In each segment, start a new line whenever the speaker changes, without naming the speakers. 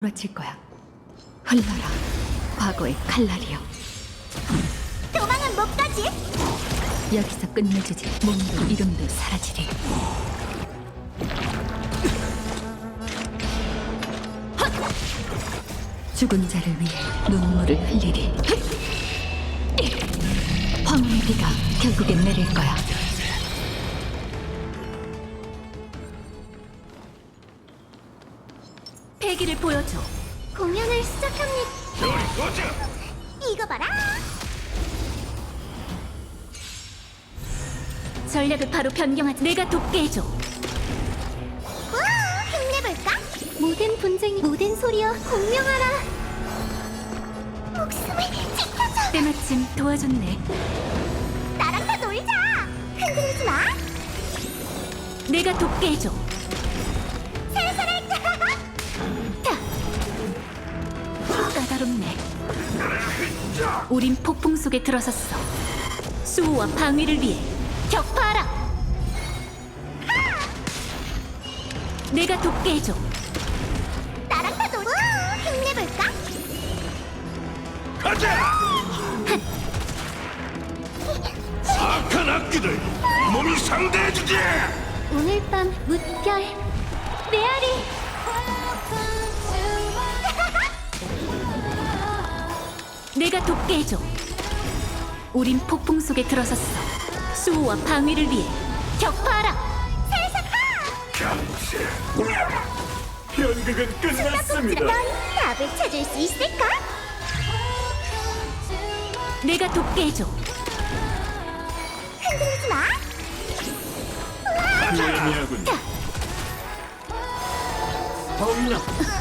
부러칠 거야. 흘러라, 과거의 칼날이여.
도망은 못 가지.
여기서 끝내주지. 몸도 이름도 사라지리. 죽은 자를 위해 눈물을 흘리리. 황혼의 비가 결국엔 내릴 거야. 패기를 보여줘.
공연을 시작합니다. 이거 봐라.
전략을 바로 변경하지. 내가 돕게 해줘.
우와, 힘내볼까? 모든 분쟁이 모든 소리여 공명하라. 목숨을 지켜줘.
때마침 도와줬네.
나랑 다 놀자. 흔들리지 마.
내가 돕게 해줘.
살살할까?
까다롭네. 우린 폭풍 속에 들어섰어. 수호와 방위를 위해 격파하라. 내가 돕게 해줘.
나랑 다 놀자. 우와, 힘내볼까?
가자! 악한 악기들 몸이 상대해주지!
오늘 밤 무별 메아리.
내가 돕게 해줘. 우린 폭풍 속에 들어섰어. 수호와 방위를 위해 격파하라.
강세 연극은 끝났습니다.
넌 답을 찾을 수 있을까?
내가 돕게 해줘.
흔들리지 마.
무의미하군요. 엄나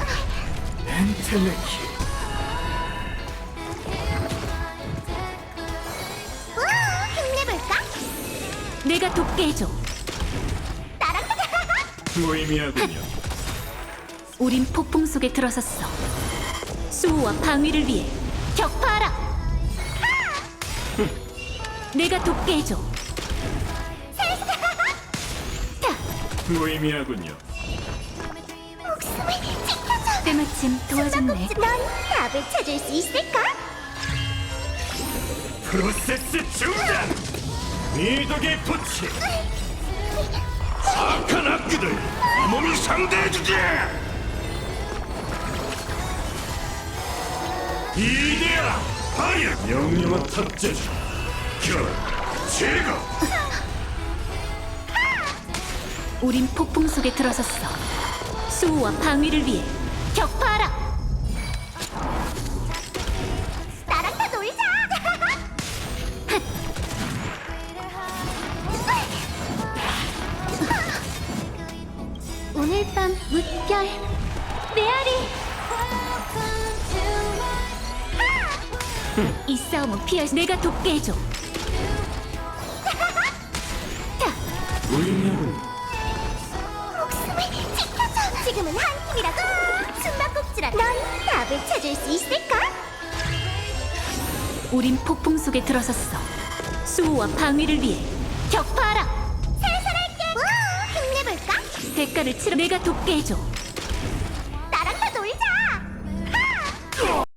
엔텔레키
우와, 힘내볼까?
내가 돕게 해줘.
나랑 가자.
무의미하군요.
우린 폭풍 속에 들어섰어. 수호와 방위를 위해 격파하라. 내가 돕게 해줘.
무의미하군요.
목숨을 지켜줘.
때마침 도와줬네.
넌 답을 찾을 수 있을까?
프로세스 중단! 미덕의 부치! 악한 악기들 몸이 상대해주지! 이대야! 파이어! 명령한 탑재자 결! 제거!
우린 폭풍 속에 들어섰어. 수호와 방위를 위해 격파하라.
나랑 다 놀자. 오늘 밤 무별 메아리.
이 싸움은 피할. 내가 돕게 해줘.
무의미하군요.
목숨을 지켜줘. 지금은 한 팀이라고. 숨바꼭질아. 넌 답을 찾을 수 있을까?
우린 폭풍 속에 들어섰어. 수호와 방위를 위해 격파하라.
살살할게. 우와, 힘내볼까?
대가를 치러. 내가 돕게 해줘.